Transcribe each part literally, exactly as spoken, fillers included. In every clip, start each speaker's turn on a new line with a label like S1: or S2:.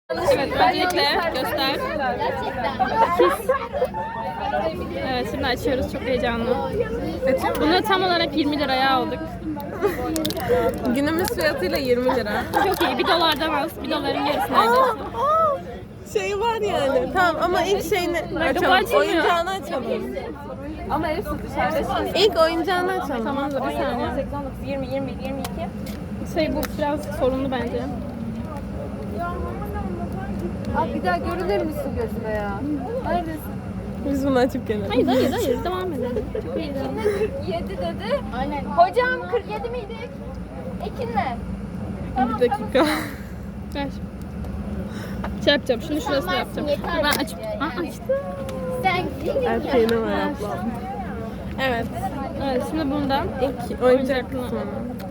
S1: Evet, öncelikle göster. Evet, şimdi açıyoruz. Çok heyecanlı. Bunu tam olarak yirmi liraya aldık.
S2: Günümüz fiyatıyla yirmi lira.
S1: Çok iyi. Bir dolardan az. Bir doların yarısı neredeyse.
S2: Şey var yani. Tamam ama ilk şeyini açalım.
S1: açılmıyor.
S2: Oyuncağını açalım.
S3: Ama hepsi dışarıda.
S2: İlk oyuncağını açalım.
S1: Tamam da bir saniye.
S3: seksen dokuz, yirmi, yirmi bir, yirmi iki.
S1: Şey bu biraz sorunlu bence.
S3: Abi bir daha görünür müsün gözüme ya? Neredesin?
S2: Biz bunu açıp gelelim.
S1: Hayır hayır hayır. Devam edelim. Çok iyi.
S3: kırk yedi dedi. Aynen. Hocam kırk yedi miydik? Ekinle.
S2: Bir dakika.
S1: Ver. Şey yapacağım. Şunu şurasına yapacağım. Ben açıp... Aa, açtım.
S3: Sen
S2: Her şeyini var ablam. Evet.
S1: Evet, şimdi bundan
S2: İlk oyuncak kısmı.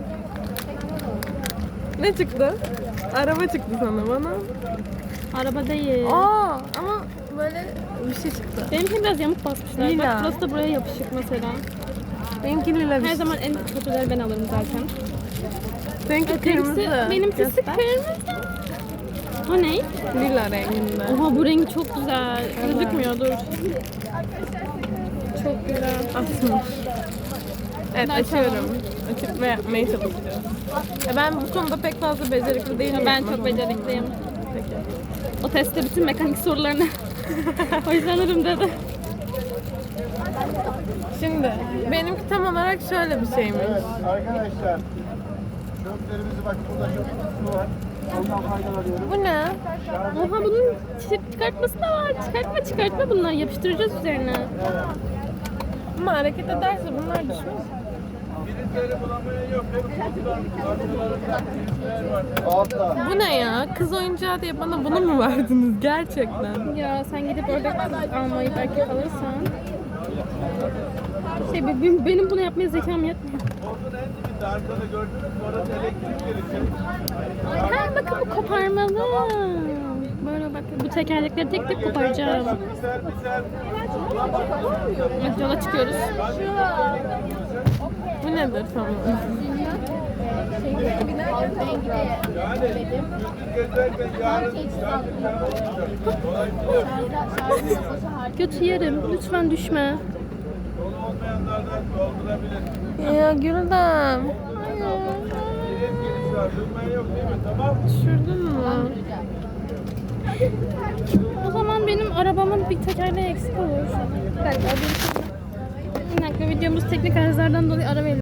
S2: Ne çıktı? Araba çıktı sana bana.
S1: araba değil.
S2: Aa ama böyle bir şey çıktı.
S1: Benimkini biraz yamuk basmışlar.
S2: Lila.
S1: Bak burası da buraya yapışık mesela.
S2: Benimki lila bir
S1: Her
S2: şey.
S1: zaman en kötüleri ben alırım zaten.
S2: Seninki kırmızı.
S1: Benimkisi, benimkisi
S2: Göster.
S1: kırmızı. O ne?
S2: Lila renginde.
S1: Oha bu rengi çok güzel. Gözükmüyor dur. Çok güzel.
S2: Asmış. Evet
S1: Ben
S2: açıyorum. Açıp ve yapmaya çalışacağız. Ya ben bu konuda pek fazla becerikli değilim.
S1: Ben çok becerikliyim.
S2: Peki.
S1: O testte bütün mekanik sorularını o yüzden alırım dedi.
S2: Şimdi benimki tam olarak şöyle bir şeymiş.
S4: Evet arkadaşlar. Çöplerimizi bak burada çöp kutusu var. Ondan faydalanıyoruz.
S2: Bu ne?
S1: Oha bunun çi- çıkartması da var. Çıkartma çıkartma bunları yapıştıracağız üzerine.
S2: Ama hareket ederse bunlar düşmez.
S4: Biletleri bulamayan yok. Hep kutular, kartlarında biletler var. Altta.
S2: Bu ne ya? Kız oyuncağı diye bana bunu mu verdiniz gerçekten?
S1: Ya sen gidip orada kız almayı belki alırsan. Şey benim, benim bunu yapmaya zekam yetmiyor.
S4: Ordunun en dibinde arkada gördünüz mü? Orası elektrik gelecek.
S1: Ha bakın bu koparmalı. Böyle bak bu tekerlekleri tek tek koparacağım.
S4: Güzel güzel.
S1: Evet, yola çıkıyoruz.
S2: Bu nedir tamam?
S4: Yani gündüz gezerken yarın
S1: Götü yerim. Lütfen düşme.
S4: dolu olmayanlardan doldurabilir.
S2: Ya Güldem.
S4: Bilet giriş var. Durmayan yok değil mi? Tamam mı?
S2: Düşürdün mü?
S1: O zaman benim arabamın bir tekerleği eksik olur. Bir dakika, bir dakika videomuz teknik arızalardan dolayı ara verelim.